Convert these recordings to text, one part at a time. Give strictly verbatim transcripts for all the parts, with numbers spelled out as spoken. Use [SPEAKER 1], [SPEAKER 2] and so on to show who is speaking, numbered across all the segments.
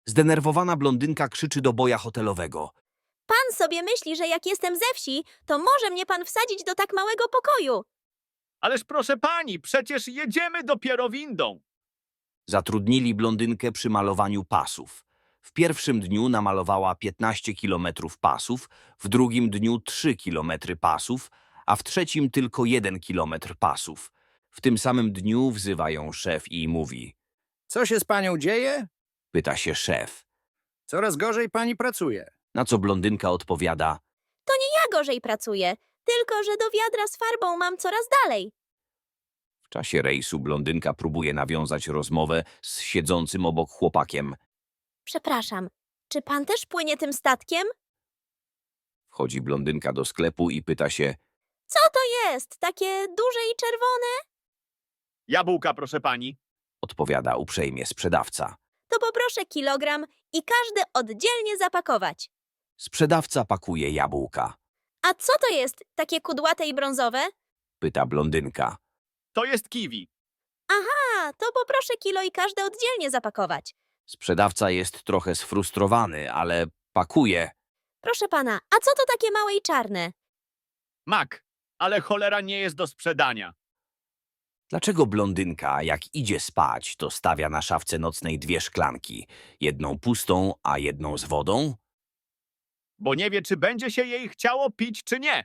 [SPEAKER 1] Zdenerwowana blondynka krzyczy do boja hotelowego.
[SPEAKER 2] Pan sobie myśli, że jak jestem ze wsi, to może mnie pan wsadzić do tak małego pokoju.
[SPEAKER 3] Ależ proszę pani, przecież jedziemy dopiero windą.
[SPEAKER 1] Zatrudnili blondynkę przy malowaniu pasów. W pierwszym dniu namalowała piętnaście kilometrów pasów, w drugim dniu trzy kilometry pasów, a w trzecim tylko jeden kilometr pasów. W tym samym dniu wzywa ją szef i mówi.
[SPEAKER 4] Co się z panią dzieje?
[SPEAKER 1] Pyta się szef.
[SPEAKER 4] Coraz gorzej pani pracuje.
[SPEAKER 1] Na co blondynka odpowiada.
[SPEAKER 2] To nie ja gorzej pracuję, tylko że do wiadra z farbą mam coraz dalej.
[SPEAKER 1] W czasie rejsu blondynka próbuje nawiązać rozmowę z siedzącym obok chłopakiem.
[SPEAKER 2] Przepraszam, czy pan też płynie tym statkiem?
[SPEAKER 1] Wchodzi blondynka do sklepu i pyta się.
[SPEAKER 2] Co to jest? Takie duże i czerwone?
[SPEAKER 3] Jabłka, proszę pani.
[SPEAKER 1] Odpowiada uprzejmie sprzedawca.
[SPEAKER 2] To poproszę kilogram i każde oddzielnie zapakować.
[SPEAKER 1] Sprzedawca pakuje jabłka.
[SPEAKER 2] A co to jest? Takie kudłate i brązowe?
[SPEAKER 1] Pyta blondynka.
[SPEAKER 3] To jest kiwi.
[SPEAKER 2] A, to poproszę kilo i każde oddzielnie zapakować.
[SPEAKER 1] Sprzedawca jest trochę sfrustrowany, ale pakuje.
[SPEAKER 2] Proszę pana, a co to takie małe i czarne?
[SPEAKER 3] Mak, ale cholera nie jest do sprzedania.
[SPEAKER 1] Dlaczego blondynka, jak idzie spać, to stawia na szafce nocnej dwie szklanki? Jedną pustą, a jedną z wodą?
[SPEAKER 3] Bo nie wie, czy będzie się jej chciało pić, czy nie.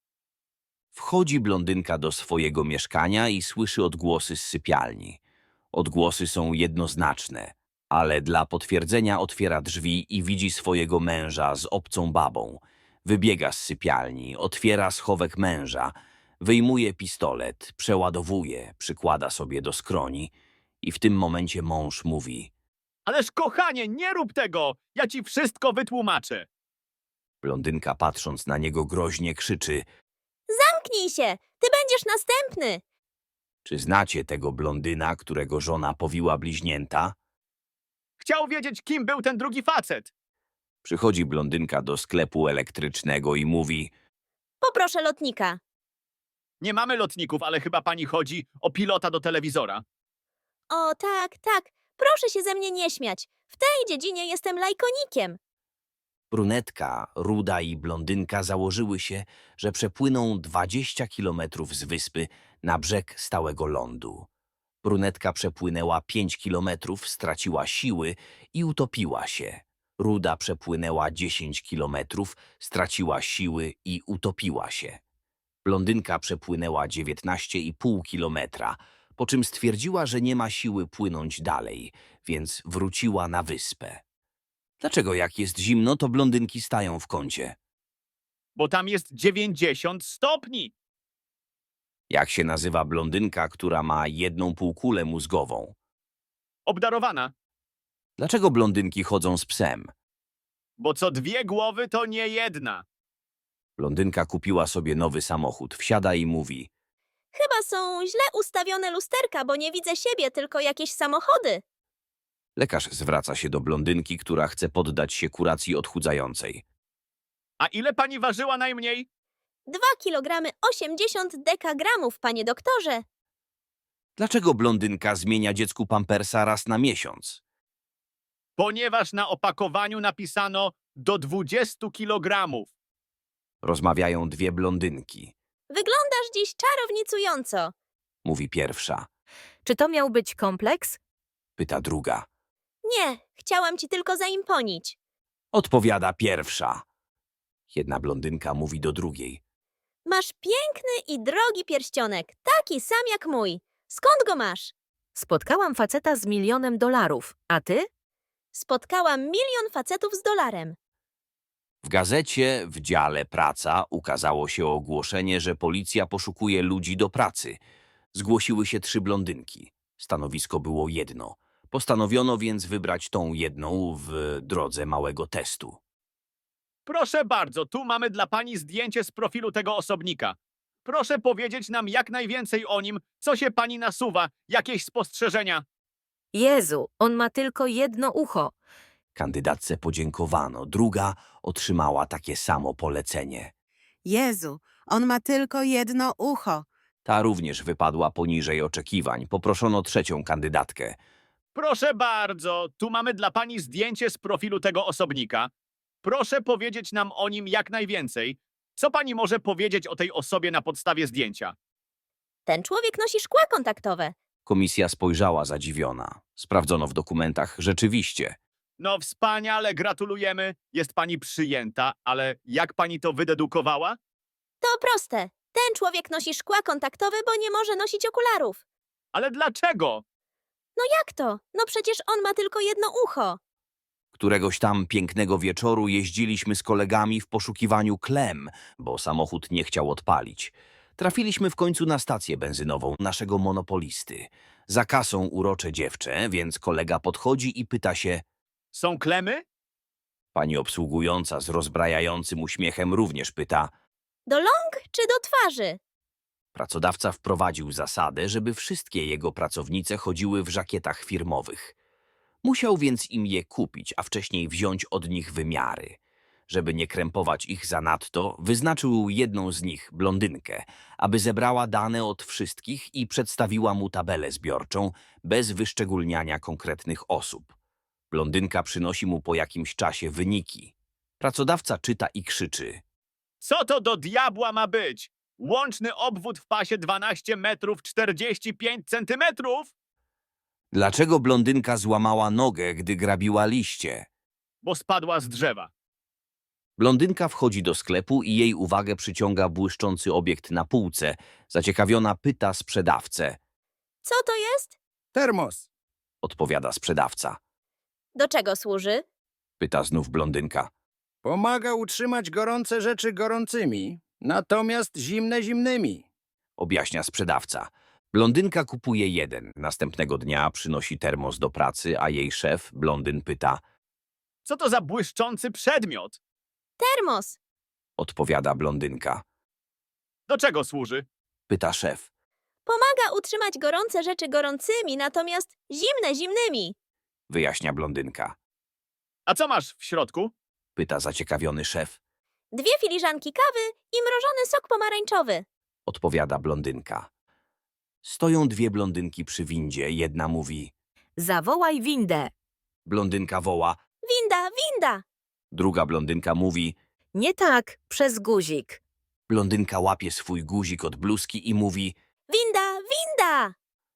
[SPEAKER 1] Wchodzi blondynka do swojego mieszkania i słyszy odgłosy z sypialni. Odgłosy są jednoznaczne, ale dla potwierdzenia otwiera drzwi i widzi swojego męża z obcą babą. Wybiega z sypialni, otwiera schowek męża, wyjmuje pistolet, przeładowuje, przykłada sobie do skroni i w tym momencie mąż mówi.
[SPEAKER 3] Ależ kochanie, nie rób tego! Ja ci wszystko wytłumaczę.
[SPEAKER 1] Blondynka patrząc na niego groźnie krzyczy.
[SPEAKER 2] Zamknij się! Ty będziesz następny!
[SPEAKER 1] Czy znacie tego blondyna, którego żona powiła bliźnięta?
[SPEAKER 3] Chciał wiedzieć, kim był ten drugi facet.
[SPEAKER 1] Przychodzi blondynka do sklepu elektrycznego i mówi.
[SPEAKER 2] Poproszę lotnika.
[SPEAKER 3] Nie mamy lotników, ale chyba pani chodzi o pilota do telewizora.
[SPEAKER 2] O, tak, tak. Proszę się ze mnie nie śmiać. W tej dziedzinie jestem lajkonikiem.
[SPEAKER 1] Brunetka, ruda i blondynka założyły się, że przepłyną dwadzieścia kilometrów z wyspy na brzeg stałego lądu. Brunetka przepłynęła pięć kilometrów, straciła siły i utopiła się. Ruda przepłynęła dziesięć kilometrów, straciła siły i utopiła się. Blondynka przepłynęła dziewiętnaście i pół kilometra, po czym stwierdziła, że nie ma siły płynąć dalej, więc wróciła na wyspę. Dlaczego jak jest zimno, to blondynki stają w kącie?
[SPEAKER 3] Bo tam jest dziewięćdziesiąt stopni.
[SPEAKER 1] Jak się nazywa blondynka, która ma jedną półkulę mózgową?
[SPEAKER 3] Obdarowana.
[SPEAKER 1] Dlaczego blondynki chodzą z psem?
[SPEAKER 3] Bo co dwie głowy, to nie jedna.
[SPEAKER 1] Blondynka kupiła sobie nowy samochód, wsiada i mówi.
[SPEAKER 2] Chyba są źle ustawione lusterka, bo nie widzę siebie, tylko jakieś samochody.
[SPEAKER 1] Lekarz zwraca się do blondynki, która chce poddać się kuracji odchudzającej.
[SPEAKER 3] A ile pani ważyła najmniej?
[SPEAKER 2] Dwa kilogramy osiemdziesiąt dekagramów, panie doktorze.
[SPEAKER 1] Dlaczego blondynka zmienia dziecku pampersa raz na miesiąc?
[SPEAKER 3] Ponieważ na opakowaniu napisano do dwudziestu kilogramów.
[SPEAKER 1] Rozmawiają dwie blondynki.
[SPEAKER 2] Wyglądasz dziś czarownicująco.
[SPEAKER 1] Mówi pierwsza.
[SPEAKER 5] Czy to miał być kompleks?
[SPEAKER 1] Pyta druga.
[SPEAKER 2] Nie, chciałam ci tylko zaimponić.
[SPEAKER 1] Odpowiada pierwsza. Jedna blondynka mówi do drugiej.
[SPEAKER 2] Masz piękny i drogi pierścionek, taki sam jak mój. Skąd go masz?
[SPEAKER 5] Spotkałam faceta z milionem dolarów. A ty?
[SPEAKER 2] Spotkałam milion facetów z dolarem.
[SPEAKER 1] W gazecie w dziale Praca ukazało się ogłoszenie, że policja poszukuje ludzi do pracy. Zgłosiły się trzy blondynki. Stanowisko było jedno. Postanowiono więc wybrać tą jedną w drodze małego testu.
[SPEAKER 3] Proszę bardzo, tu mamy dla pani zdjęcie z profilu tego osobnika. Proszę powiedzieć nam jak najwięcej o nim, co się pani nasuwa, jakieś spostrzeżenia.
[SPEAKER 5] Jezu, on ma tylko jedno ucho.
[SPEAKER 1] Kandydatce podziękowano. Druga otrzymała takie samo polecenie.
[SPEAKER 6] Jezu, on ma tylko jedno ucho.
[SPEAKER 1] Ta również wypadła poniżej oczekiwań. Poproszono trzecią kandydatkę.
[SPEAKER 3] Proszę bardzo, tu mamy dla pani zdjęcie z profilu tego osobnika. Proszę powiedzieć nam o nim jak najwięcej. Co pani może powiedzieć o tej osobie na podstawie zdjęcia?
[SPEAKER 2] Ten człowiek nosi szkła kontaktowe.
[SPEAKER 1] Komisja spojrzała zadziwiona. Sprawdzono w dokumentach rzeczywiście.
[SPEAKER 3] No wspaniale, gratulujemy. Jest pani przyjęta, ale jak pani to wydedukowała?
[SPEAKER 2] To proste. Ten człowiek nosi szkła kontaktowe, bo nie może nosić okularów.
[SPEAKER 3] Ale dlaczego?
[SPEAKER 2] No jak to? No przecież on ma tylko jedno ucho.
[SPEAKER 1] Któregoś tam pięknego wieczoru jeździliśmy z kolegami w poszukiwaniu klem, bo samochód nie chciał odpalić. Trafiliśmy w końcu na stację benzynową naszego monopolisty. Za kasą urocze dziewczę, więc kolega podchodzi i pyta się.
[SPEAKER 3] Są klemy?
[SPEAKER 1] Pani obsługująca z rozbrajającym uśmiechem również pyta.
[SPEAKER 2] Do ląk czy do twarzy?
[SPEAKER 1] Pracodawca wprowadził zasadę, żeby wszystkie jego pracownice chodziły w żakietach firmowych. Musiał więc im je kupić, a wcześniej wziąć od nich wymiary. Żeby nie krępować ich zanadto, wyznaczył jedną z nich, blondynkę, aby zebrała dane od wszystkich i przedstawiła mu tabelę zbiorczą, bez wyszczególniania konkretnych osób. Blondynka przynosi mu po jakimś czasie wyniki. Pracodawca czyta i krzyczy.
[SPEAKER 3] Co to do diabła ma być? Łączny obwód w pasie dwanaście metrów czterdzieści pięć centymetrów?
[SPEAKER 1] Dlaczego blondynka złamała nogę, gdy grabiła liście?
[SPEAKER 3] Bo spadła z drzewa.
[SPEAKER 1] Blondynka wchodzi do sklepu i jej uwagę przyciąga błyszczący obiekt na półce. Zaciekawiona pyta sprzedawcę.
[SPEAKER 2] Co to jest?
[SPEAKER 4] Termos.
[SPEAKER 1] Odpowiada sprzedawca.
[SPEAKER 2] Do czego służy?
[SPEAKER 1] Pyta znów blondynka.
[SPEAKER 4] Pomaga utrzymać gorące rzeczy gorącymi, natomiast zimne zimnymi.
[SPEAKER 1] Objaśnia sprzedawca. Blondynka kupuje jeden. Następnego dnia przynosi termos do pracy, a jej szef, blondyn, pyta.
[SPEAKER 3] Co to za błyszczący przedmiot?
[SPEAKER 2] Termos.
[SPEAKER 1] Odpowiada blondynka.
[SPEAKER 3] Do czego służy?
[SPEAKER 1] Pyta szef.
[SPEAKER 2] Pomaga utrzymać gorące rzeczy gorącymi, natomiast zimne zimnymi.
[SPEAKER 1] Wyjaśnia blondynka.
[SPEAKER 3] A co masz w środku?
[SPEAKER 1] Pyta zaciekawiony szef.
[SPEAKER 2] Dwie filiżanki kawy i mrożony sok pomarańczowy.
[SPEAKER 1] Odpowiada blondynka. Stoją dwie blondynki przy windzie. Jedna mówi.
[SPEAKER 5] Zawołaj windę.
[SPEAKER 1] Blondynka woła.
[SPEAKER 2] Winda, winda.
[SPEAKER 1] Druga blondynka mówi.
[SPEAKER 5] Nie tak, przez guzik.
[SPEAKER 1] Blondynka łapie swój guzik od bluzki i mówi.
[SPEAKER 2] Winda, winda.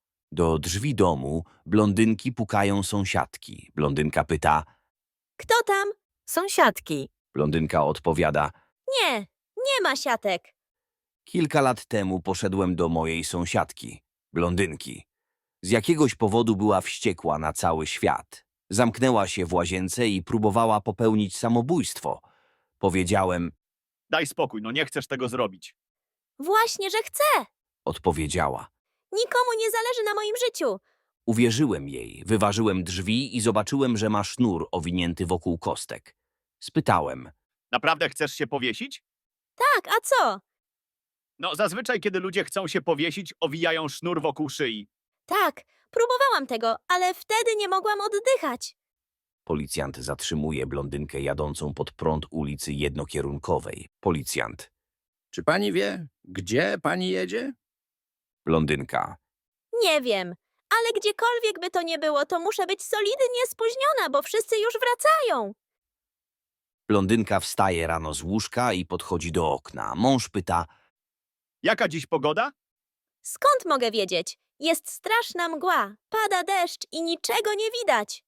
[SPEAKER 1] Do drzwi domu blondynki pukają sąsiadki. Blondynka pyta.
[SPEAKER 2] Kto tam?
[SPEAKER 5] Sąsiadki.
[SPEAKER 1] Blondynka odpowiada.
[SPEAKER 2] Nie, nie ma siatek.
[SPEAKER 1] Kilka lat temu poszedłem do mojej sąsiadki, blondynki. Z jakiegoś powodu była wściekła na cały świat. Zamknęła się w łazience i próbowała popełnić samobójstwo. Powiedziałem,
[SPEAKER 3] Daj spokój, no nie chcesz tego zrobić.
[SPEAKER 2] Właśnie, że chcę.
[SPEAKER 1] odpowiedziała.
[SPEAKER 2] Nikomu nie zależy na moim życiu.
[SPEAKER 1] Uwierzyłem jej, wyważyłem drzwi i zobaczyłem, że ma sznur owinięty wokół kostek. Spytałem,
[SPEAKER 3] Naprawdę chcesz się powiesić?
[SPEAKER 2] Tak, a co?
[SPEAKER 3] No zazwyczaj, kiedy ludzie chcą się powiesić, owijają sznur wokół szyi.
[SPEAKER 2] Tak, próbowałam tego, ale wtedy nie mogłam oddychać.
[SPEAKER 1] policjant zatrzymuje blondynkę jadącą pod prąd ulicy jednokierunkowej. Policjant,
[SPEAKER 4] Czy pani wie, gdzie pani jedzie?
[SPEAKER 1] blondynka,
[SPEAKER 2] Nie wiem, ale gdziekolwiek by to nie było, to muszę być solidnie spóźniona, bo wszyscy już wracają.
[SPEAKER 1] blondynka wstaje rano z łóżka i podchodzi do okna. Mąż pyta,
[SPEAKER 3] Jaka dziś pogoda?
[SPEAKER 2] Skąd mogę wiedzieć? Jest straszna mgła, pada deszcz i niczego nie widać.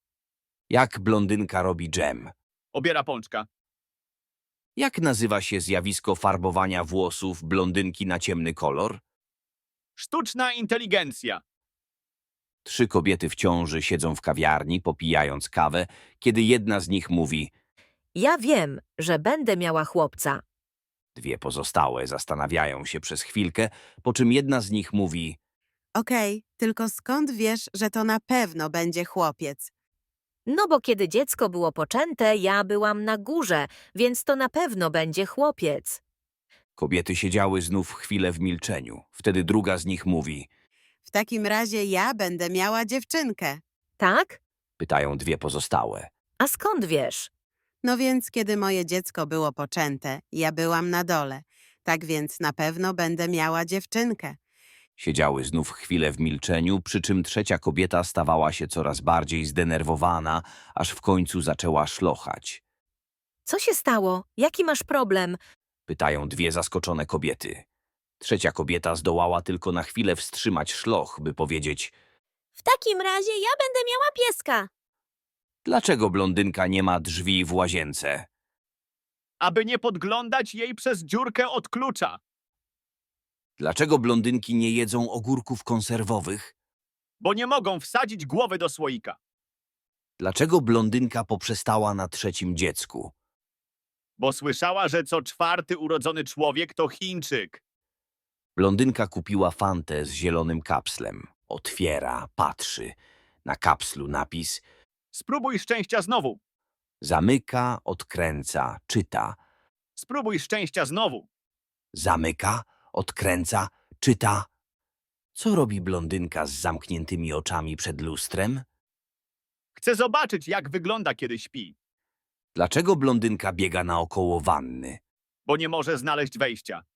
[SPEAKER 1] jak blondynka robi dżem.
[SPEAKER 3] Obiera pączka.
[SPEAKER 1] Jak nazywa się zjawisko farbowania włosów blondynki na ciemny kolor?
[SPEAKER 3] Sztuczna inteligencja.
[SPEAKER 1] Trzy kobiety w ciąży siedzą w kawiarni, popijając kawę, kiedy jedna z nich mówi.
[SPEAKER 5] Ja wiem, że będę miała chłopca.
[SPEAKER 1] Dwie pozostałe zastanawiają się przez chwilkę, po czym jedna z nich mówi.
[SPEAKER 6] Okej, tylko skąd wiesz, że to na pewno będzie chłopiec?
[SPEAKER 5] No bo kiedy dziecko było poczęte, ja byłam na górze, więc to na pewno będzie chłopiec.
[SPEAKER 1] Kobiety siedziały znów chwilę w milczeniu. Wtedy druga z nich mówi.
[SPEAKER 6] W takim razie ja będę miała dziewczynkę.
[SPEAKER 5] Tak?
[SPEAKER 1] Pytają dwie pozostałe.
[SPEAKER 5] A skąd wiesz?
[SPEAKER 6] No więc, kiedy moje dziecko było poczęte, ja byłam na dole. Tak więc na pewno będę miała dziewczynkę.
[SPEAKER 1] Siedziały znów chwilę w milczeniu, przy czym trzecia kobieta stawała się coraz bardziej zdenerwowana, aż w końcu zaczęła szlochać.
[SPEAKER 5] Co się stało? Jaki masz problem?
[SPEAKER 1] Pytają dwie zaskoczone kobiety. Trzecia kobieta zdołała tylko na chwilę wstrzymać szloch, by powiedzieć:
[SPEAKER 2] W takim razie ja będę miała pieska.
[SPEAKER 1] dlaczego blondynka nie ma drzwi w łazience?
[SPEAKER 3] Aby nie podglądać jej przez dziurkę od klucza.
[SPEAKER 1] Dlaczego blondynki nie jedzą ogórków konserwowych?
[SPEAKER 3] Bo nie mogą wsadzić głowy do słoika.
[SPEAKER 1] Dlaczego blondynka poprzestała na trzecim dziecku?
[SPEAKER 3] Bo słyszała, że co czwarty urodzony człowiek to Chińczyk.
[SPEAKER 1] Blondynka kupiła fantę z zielonym kapslem. Otwiera, patrzy. Na kapslu napis:
[SPEAKER 3] Spróbuj szczęścia znowu.
[SPEAKER 1] zamyka, odkręca, czyta.
[SPEAKER 3] Spróbuj szczęścia znowu.
[SPEAKER 1] Zamyka, odkręca, czyta. Co robi blondynka z zamkniętymi oczami przed lustrem?
[SPEAKER 3] Chcę zobaczyć, jak wygląda, kiedy śpi.
[SPEAKER 1] Dlaczego blondynka biega naokoło wanny?
[SPEAKER 3] Bo nie może znaleźć wejścia.